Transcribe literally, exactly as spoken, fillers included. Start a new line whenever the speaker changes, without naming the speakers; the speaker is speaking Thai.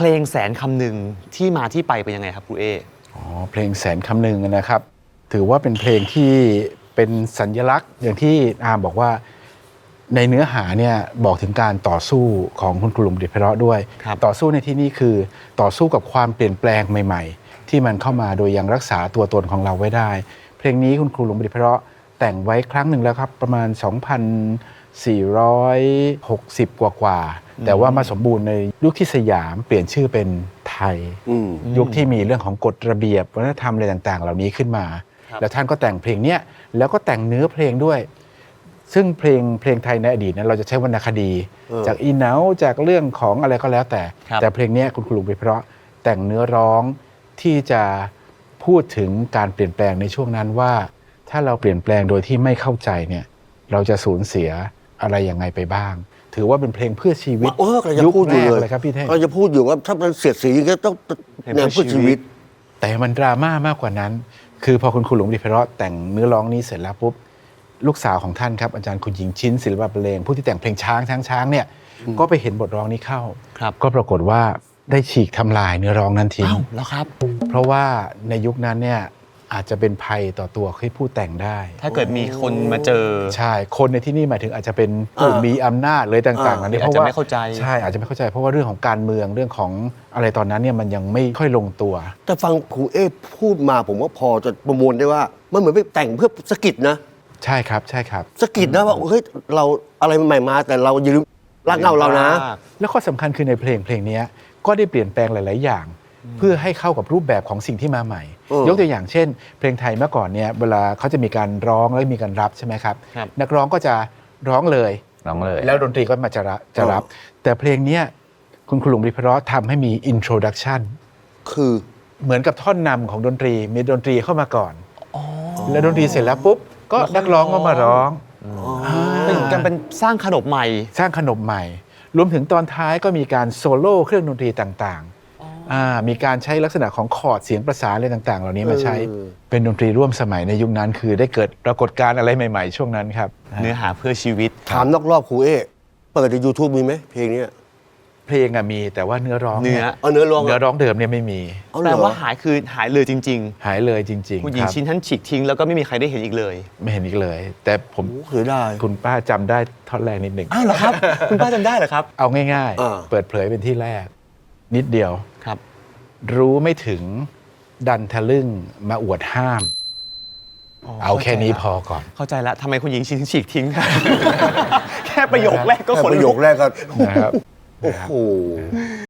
ลงแสนคำหนึ่งที่มาที่ไปเป็นยังไงครับครูเอ
อ๋อเพลงแสนคำหนึ่งนะครับถือว่าเป็นเพลงที่เป็นสัญลักษณ์อย่างที่อาร์มบอกว่าในเนื้อหาเนี่ยบอกถึงการต่อสู้ของคุณครูหลุมดิษฐ์ไพเราะด้วยต่อสู้ในที่นี้คือต่อสู้กับความเปลี่ยนแปลงใหม่ๆที่มันเข้ามาโดยยังรักษาตัวตนของเราไว้ได้เพลงนี้คุณครูหลุมดิษฐ์ไพเราะแต่งไว้ครั้งหนึ่งแล้วครับประมาณ สองพันสี่ร้อยหกสิบ กว่าๆแต่ว่ามาสมบูรณ์ในยุคที่สยามเปลี่ยนชื่อเป็นไทยยุคที่มีเรื่องของกฎระเบียบวัฒนธรรมอะไรต่างๆเหล่านี้ขึ้นมาแล้วท่านก็แต่งเพลงนี้แล้วก็แต่งเนื้อเพลงด้วยซึ่งเพลงเพลงไทยในอดีตนั้นเราจะใช้วรรณคดีจากอีเหนาจากเรื่องของอะไรก็แล้วแต่แต่เพลงนี้คุณครูหลุมดิษฐ์ไพเราะแต่งเนื้อร้องที่จะพูดถึงการเปลี่ยนแปลงในช่วงนั้นว่าถ้าเราเปลี่ยนแปลงโดยที่ไม่เข้าใจเนี่ยเราจะสูญเสียอะไรยังไงไปบ้างถือว่าเป็นเพลงเพื่อชีวิต
ยุคแรก
เลยครับพี่เท่ง
ก็จะพูดอยู่ว่าถ้ามันเสียดสีก็ต้องแนวเพื่อชีวิต
แต่มันดราม่ามากกว่านั้นคือพอคุณครูหลุมดิษฐ์ไพเราะแต่งเนื้อร้องนี้เสร็จแล้วปุ๊บลูกสาวของท่านครับอาจารย์คุณหญิงชิ้นศิลปะบรรเลงผู้ที่แต่งเพลงช้างช้างช้างเนี่ยก็ไปเห็นบทร้องนี้เข้าก็ปรากฏว่าได้ฉีกทำลายเนื้อร้องนั้นทิ้ง
แล้วครับ
เพราะว่าในยุคนั้นเนี่ยอาจจะเป็นภัยต่อตัวให้ผู้แต่งได้
ถ้าเกิดมีคนมาเจอ
ใช่คนในที่นี่หมายถึงอาจจะเป็นผู้มีอำนาจเลยต่างๆนั้น
เพราะว่าไม่เข้าใจ
ใช่อาจจะไม่เข้าใจเพราะว่าเรื่องของการเมืองเรื่องของอะไรตอนนั้นเนี่ยมันยังไม่ค่อยลงตัว
แต่ฟังครูเอพูดมาผมว่าพอจะประมวลได้ว่ามันเหมือนไปแต่งเพื่อสะกิดนะ
ใช่ครับใช่ครับ
สะกิดนะว่าเฮ้ยเราอะไรใหม่ๆมาแต่เราอย่าลืมรากเหง้าเรานะ
แล้วข้อสำคัญคือในเพลงเพลงนี้ก็ได้เปลี่ยนแปลงหลายๆอย่างเพื่อให้เข้ากับรูปแบบของสิ่งที่มาใหม่ยกตัวอย่างเช่นเพลงไทยเมื่อก่อนเนี่ยเวลาเขาจะมีการร้องแล้วมีการรับใช่ไหมครับนักร้องก็จะร้องเลย
ร้องเลย
แล้วดนตรีก็มาจะรับจะรับแต่เพลงนี้คุณครูหลุมดิษฐ์ไพเราะทำให้มี introduction
คือ
เหมือนกับท่อนนำของดนตรีมีดนตรีเข้ามาก่อนแล้วดนตรีเสร็จแล้วปุ๊บก็นักร้องก็มาร้อง
เป็นการเป็นสร้างขนบใหม่
สร้างขนบใหม่รวมถึงตอนท้ายก็มีการโซโล่เครื่องดนตรีต่างๆมีการใช้ลักษณะของคอร์ดเสียงประสานอะไรต่างๆเหล่านี้มาใช้เป็นดนตรีร่วมสมัยในยุคนั้นคือได้เกิดปรากฏการณ์อะไรใหม่ๆช่วงนั้นครับ
เนื้อหาเพื่อชีวิต
ถามนอกรอบครูเอเปิดใน YouTube มีไหมเพลงนี้
เพลงอะมีแต่ว่าเนื้อร้อง
เนื้อ
เนื้อร้อง
เนื้อร้องเดิมเนี่ยไม่มี
แปลว่าหายคือหายเลยจริง
ๆหายเลยจริง
ๆผู้หญิงชิ้นท่านฉีกทิ้งแล้วก็ไม่มีใครได้เห็นอีกเลย
ไม่เห็นอีกเลยแต่ผม
เคยได้
คุณป้าจำได้ท่อนแรกนิดหนึ่ง
อ้าวเหรอครับคุณป้าจำได้เหรอครับ
เอาง่ายๆเปิดเผยเป็นที่แรกนิดเดียว
ครับ
รู้ไม่ถึงดันทะลึ่งมาอวดห้ามเอาแค่นี้พอก่อน
เข้าใจแล้วทำไมคุณหญิงชิ้นฉีกทิ้งแค่ประโยคแรกก็
คนประโยคแรกก็
นะครับ
โอ้โห